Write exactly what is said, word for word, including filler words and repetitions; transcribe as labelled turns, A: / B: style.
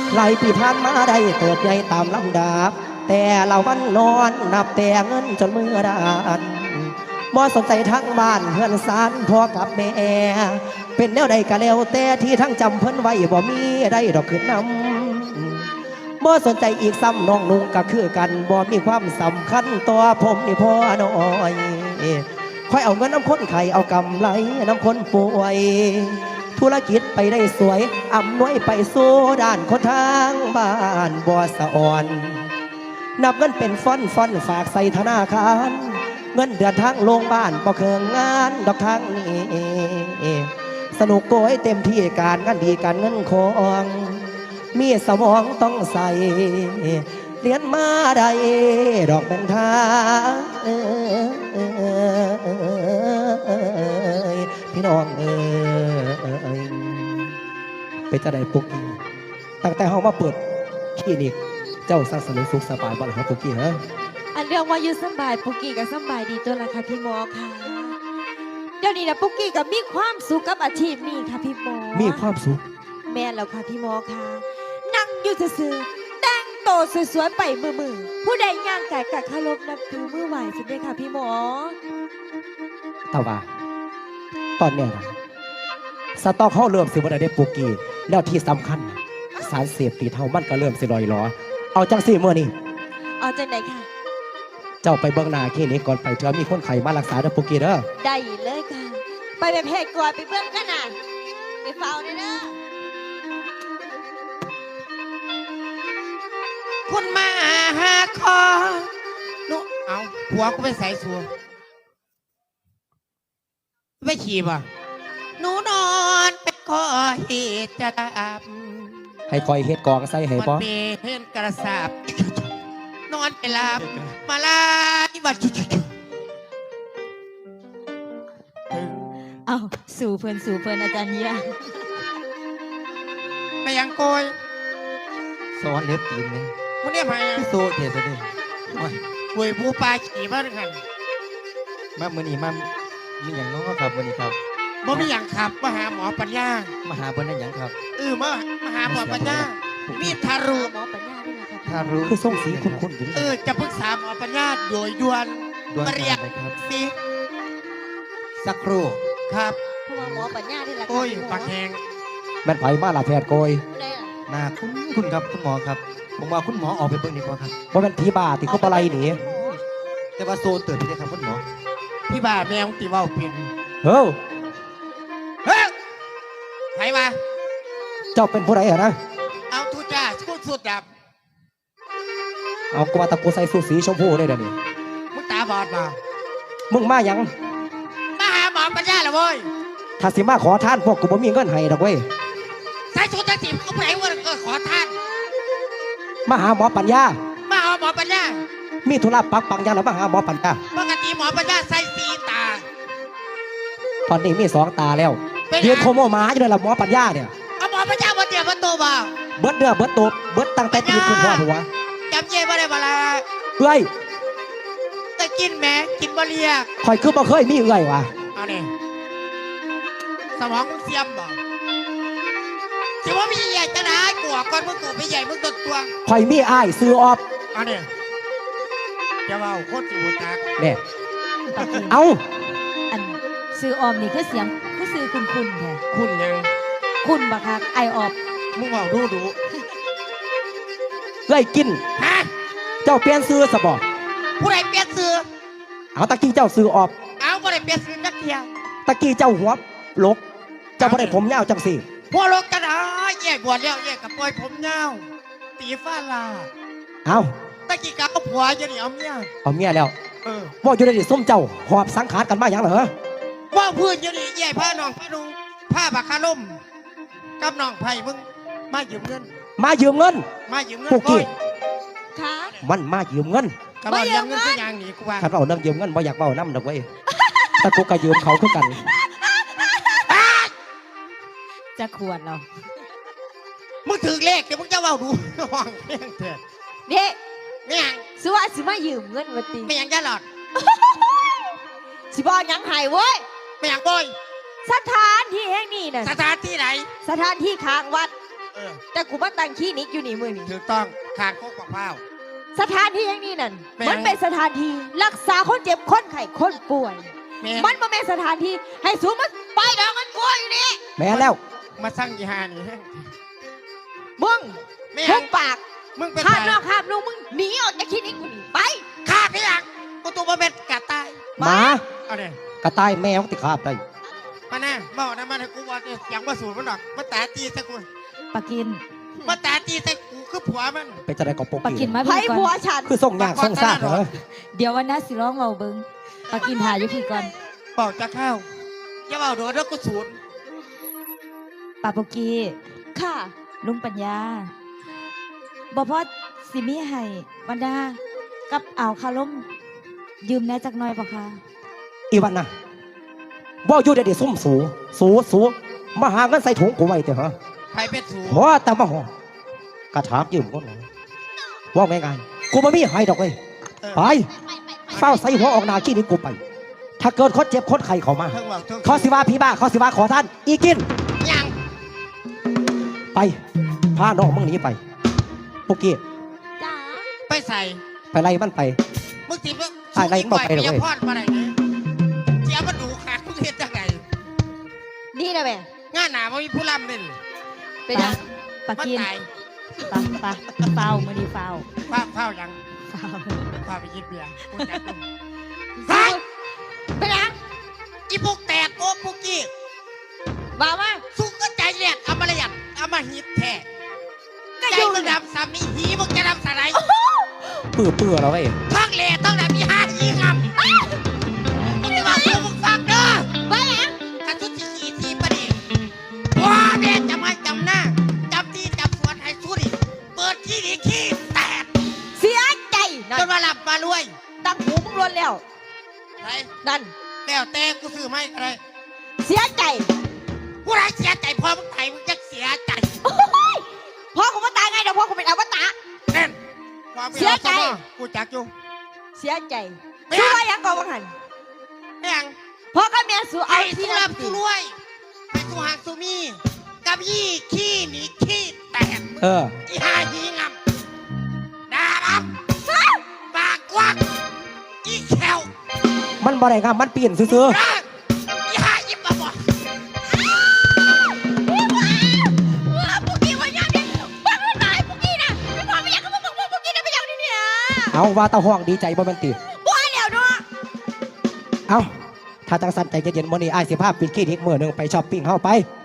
A: หลายปีผ่านมาได้เติบใหญ่ตามลำดับแต่เราวันนอนนับแต่เงินจนมือดานบ่สนใจทั้งบ้านเพื่อนสานพ่อกับแม่เป็นแนวใดก็แล้วแต่ที่ทั้งจำเพิ่นไว้บ่มีได้ดอกขึ้นนำบ่สนใจอีกซ้ำน้องนุ่งก็คือกันบ่มีความสำคัญตัวผมนี่พ่อน้อยค่อยเอาเงินน้ำคนไข่เอากำไรน้ำคนป่วยธุรกิจไปได้สวยอำนวยไปสู่ด้านคนทางบ้านบ่สะอ่อนนับเงินเป็นฟอนฟอนฝากใส่ธนาคารเงินเดือนทางโรงบ้านบ่เคืองงานดอกทางนี้สนุกโกยเต็มที่การงานดีการเงินของมีสมองต้องใส่เรียนมาได้ดอกเป็นทางพี่น้องเอ้ยไปจะได้ปุกกี้ตั้งแต่เฮามาเปิดคลินิกเจ้าสร้างสนุกสุขสบายบ้างครับปุกกี้ฮะ
B: อันเรื่องว่าอยู่สบายปุกกี้ก็สบายดีตัวละค่ะพี่หมอค่ะเดี๋ยวนี้นะปุกกี้ก็มีความสุขกับอาชีพนี้ค่ะพี่หมอ
A: มีความสุข
B: แม่แล้วค่ะพี่หมอค่ะนั่งอยู่ซื่อๆแต่งโตสวยๆไปมือมือผู้ใดย่างกายกัดคารมนับถือมือไหวสุดเลยค่ะพี่หมอ
A: แต่ว่าตอนเนี้ยนะสต็อกเขาเริ่มสิบวันได้ปุกกี้แล้วที่สำคัญสารเสพติดเท่ามันก็เริ่มสิลอยล้อเอาจังสี่เมื่อนี่
B: เอาจังไหนค่ะ
A: เจ้าไปเบื้องหน้าคลินิกก่อนไปเถอะมีคนไข้มารักษาเด้อปุกกี้เด้อ
B: ได้เลยค่ะไปแบบเพจก่อนไปเบื้องกันน่ะไปเฝ้าเลยเด้อ
C: คุณมาหาคอนุเอาผัวกูไปใส่สัวไม่ขี่ป่ะหนูนอนเป็นคอเหตุจะดับ
A: ให้คอยเฮ็ดกองใส่ให้บ่
C: มันเป็นกระสับนอนไปหลับมาลายบัด
B: เอาสู่เพื่อนสู่เพื่อนอาจารย์เยี่ย
C: ไปยังโกย
D: สอนเล็บตีนเลย
C: มึงเนี่ยมา
D: พี่โซเทสดิ
C: หวยผู้ปลาขี่มาด้วยกัน
D: มาเมื่อนี้มามีอย่างน้องครับวันนี้ครับ
C: บ่มีอย่างขับมาหาหมอปัญญา
D: มาหาบนได้อย่างครับ
C: เออมามาหาหมอปัญญามีทารุ
B: หมอปัญญาด้วยนะครับ
D: ทารุ
A: คือส่งสีคุ้นๆอยู่
C: เออจะปรึกษาหมอปัญญาโดยด่วนมาเรียกสิ
D: สักครู่
C: ครับ
B: เพราะว่าหมอปัญญาด้วยแหละ
C: โอ้ยปากแห้ง
A: แม่นไผมาล่ะแพทย์โกย
D: นาคุณคุณครับคุณหมอครับผมว่าคุณหมอออกไปเบิ่งดีกว่าครับ
A: บ่แม่นผีบ้าติเขาปะไรหนี
D: แต่ว่าโซนเตือนพี่ครับคุณหมอ
C: พี่บ้าแมวตีว่าเปลี่ยน
A: เฮ้ย
C: เฮ้ยใครมา
A: เจ้าเป็นผู้ใดเหรอนะ
C: เอาทุจ้าพูดสุดดับ
A: เอากว่าตะกูใส่สูทสีชมพูได้เดี๋ยวนี้
C: มึงตาบอดมา
A: มึงมายัง
C: มาหาหมอปัญญาเหรอเว้ย
A: ถ้าสิมาขอทานพวกกูบ่มีเงินให้ดอกเว้ย
C: ใส่ชุดตะสิบก็ไหนว่าเกิดขอทาน
A: มาหาหมอปัญญา
C: มาหาหมอปัญญา
A: มีธุระปักปังยังหรือมาหาหมอปัญญา
C: ปกติหมอปัญญาใส่สีตา
A: ตอนนี้มีสองตาแล้วเรียนโคโมมาอยู่ในหลับหมอปัญญาเนี่ย
C: เอาหมอปัญญาบนเตียงบนโต๊ะบ่
A: เบิดเดือเบิดโต๊ะเบิดตั้งแต่ตีคุณพ่อหัว
C: จำเย่บ่ได้บ่ละ
A: เอ้ย
C: แต่กินแม่กินบ่เลีย
A: คอยคือบ่เคยมีเอ้ยวะ
C: เอาเนี่ยสมองมึงเสียมบ่สิว่ามีใหญ่จะได้กลัวก่อนมึงตัวไปใหญ่มึงตัวตัว
A: คอยมีอ้ายซื้อออฟ
C: เอาเนี่ยจะว่าโคตรจูตัก
A: เนี่ยเอา
B: อันซื้อออมนี่คือเสียงคือซื้อคุณคุณแท้
C: คุณยัง
B: คุณบักคักไอออบ
C: มึงเอาดูดู
A: เอ้ยกิน
C: ฮะ
A: เจ้าเปลี่ยนซื้อสบอ
C: ผู้ใดเปลี่ยนซื้อ
A: เอาตะกี้เจ้าซื้อออฟ
C: เอาผู้ใดเปลี่ยนซื้อนักเที่ยว
A: ตะกี้เจ้าหัวลกเจ้าผู้ใดผมยาวจังสิ
C: หัวลกกันอ่ะแย่บวชแล้วแย่กับปล่อยผมยาวตีฟ้าลา
A: เอา
C: ตะกี้กับผัวจะหนีเอาเมีย
A: เอาเมียแล้ว
C: เออ
A: ว่าอยู่ในดิส้มเจ้าหอบสังขารกันมาอย่างเหรอ
C: ว่าพื้นจะหนีแย่ผ้าน้องผ้าดุงผ้าบักคาล่มกับน้องไผ่มึงมายืมเงิน
A: มายืมเงิน
C: มายืมเงินปุ๊กกี้
B: ค่ะ
A: มันมายืมเงิน
C: ก็มายืมเงินสักอย่างนี้กูว่า
A: ถ้าเราเรื่องยืมเงินบ่อยากเบาน้ำดอกเว้ยแต่กูก็ยืมเขาคือกัน
B: จะควรเรา
C: มึงถือเลขเดี๋ยวมึงจะเบาดูห้องเพียงเถอะ
B: เนี่ย
C: เนี่ย
B: สิว่าสิมายืมเงินวันตี
C: ไม่ยังจะหลอด
B: สิบอกยังหายเว้ย
C: ไม่ยังบ่อย
B: สถานที่แห่งนี้น่ะ
C: สถานที่ไหน
B: สถานที่ค้างวัด
C: เออ
B: แต่กูมาตั้งคลินิกอยู่นี่มือนี่
C: ถูกต้องขาดโคกบักพร้าว
B: สถานที่อย่างนี้นั่น
C: แม่ง
B: มันเป็นสถานที่รักษาคนเจ็บคนไข้คนป่วย
C: แม่
B: มันบ่แม่นสถานที่ให้สูงมันไปดองเงินกูอยู่นี่
A: แม่นแล้ว
C: มาสร้างยีหานี่
B: มึง
C: แม่
B: ทุกปาก
C: มึงเป็น
B: ข้าม
C: ใคร
B: นอกข้ามลูกมึงหนีออกจากคลินิกกูนี่ไป
C: ข้าพี่หลังกูตัวมาเป็นกาตาย
A: หมา
C: เอาเนี่ย
A: กระต่ายแมวติขาบได้
C: มาแน่มาเอาน้ำมันให้กูว่าเสียงมาสูดมันดอกมาตาตีใส่กู
E: ปากิน
C: มาตาตีใส่กูคือผัวมัน
A: เป็นจะได้กบปก
E: ปากินมา
B: ไผ
E: พี่ก่
B: ผัว
E: อน
B: ฉัน
A: คือส่งยากส่งซากเหรอ
E: เดี๋ยววันน้าสิร้องเบาเบิงปากินหาอยู่พี่ก่อน
C: เป่าจะเข้าอย่าเป่าโดนแล้วกูสูด
E: ปาปกี
B: ค่ะ
E: ลุงปัญญาบ่พอสิมีให้วันดากับอ่าวคาล่มยืมแหน่จักหน่อยปะคะ
A: อีวันน่ะว่าอยู่เดี๋ยวซุ่มสูสูสูมาหาเงินใส่ถุงกูไว้เถอะฮะ
C: ใครเป็นสูด
A: หัวแต่มาหัวกระถางยืมคนไหนว่าไงไงกูไม่มีให้ดอกเลย
C: เออ
A: ไปเฝ้าใส่หัวออกหนาขี้นี้กูไป ถ้าเกิดคนเจ็บคนไข้เขามา
C: เพิ่งบอกเพิ่ง
A: เขาสิว่าพี่บ้าเขาสิว่าขอท่าน อีกิน
C: ยัง
A: ไปพาน้องมึงหนีไปปุกกี้
B: จ๋า
C: ไปใส่
A: ไปไล่มันไป
C: มึงติดว่า
A: อะไรมึงบอกไปเลยเว้ย
C: พอดมาไหนเนี่ยเสียมันดูขาดทุกเห็นจังไง
B: นี่นะแม่
C: งานหนาไม่มีผู้รำเลย
B: เป็นยัง
E: ปา
C: มัน
E: กิน
C: ตาย
E: ปาปาเฝ้ามือดีเฝ้า
C: ฟ้าเฝ้ายัง
E: เฝ้า
C: ฟ้าไปยิบเบียร์กูจัด
B: ไปเป็นยัง
C: อีพวกแตกโอ้พวกกี้
B: มามา
C: สู้ก็ใจเลียดเอามาละยัดเอามาหิดแท้
B: ก็
C: ใจ
B: อยู่
C: มึงดำซ้ำนี่หีมึงจะดำสไลด์
A: เปื่อเปื่อแล้วเว้ย
C: ทั้งเละต้องดำมีห้าหีงำมึงจะมาเพื่อมึงฟังเด้อ
B: ไปยัง
C: กระสุนที่ขี่ทีประเดี๋ยวว้าเด็จำให้จำหน้าจำที่จำสวนให้สุดิเปิดที่ดีขี้แตก
B: เสียใจนั่
C: จ
B: น
C: นมาหลับมารวย
B: ตั้งหูมึงล้วนแล้ว
C: ไร
B: นั่น
C: แล้วแต่กูซื้อไม่อะไร
B: เสียใจ
C: ผู้ใดเสียใจพอมึงไถมึงจะเสียใจ
B: โอ้ยพ่อกูมาตายไงเดี๋ยวพ่อกูเป็นอวตาร
C: แน่นความป็น
B: เสียใจ
C: ราสมกูจักอยู่
B: เสียใจ
C: ไม่
B: สู้
C: เอา
B: ว่ายังก่อนวังหัน
C: แม่ง
B: พ่อกับแม่สู้เอา
C: ไอ้
B: ที่
C: สุ
B: รั
C: รั
B: บบ
C: สุรวยไอ้สุหางสุมีกับยี่ขี้หนีขี้แตก
A: เออ
C: อีหาหีงำดาบับปากกวักอีแขว
A: มันบ่ได้งามมันเปลี่ยนซื่อ
C: ร่างอีหายิบมาบอก
B: ว้าพวกกี้วันยังเนี่ยบ้าไม่ตายพวกกี้นะไม่พอไม่อยากกับพวกพวกพวกกี้นะไม่อยากนี่เนี่ย
A: ๆเอาว่าตาห้องดีใจบ่แมันติ
B: บ้าแล้วเนาะ
A: เอาถ้าจังสันใจเย็นๆมื้อนี้อ้ายสิพาปิดคลินิกมื้อหนึงไปช้อปปิ้งเฮาไป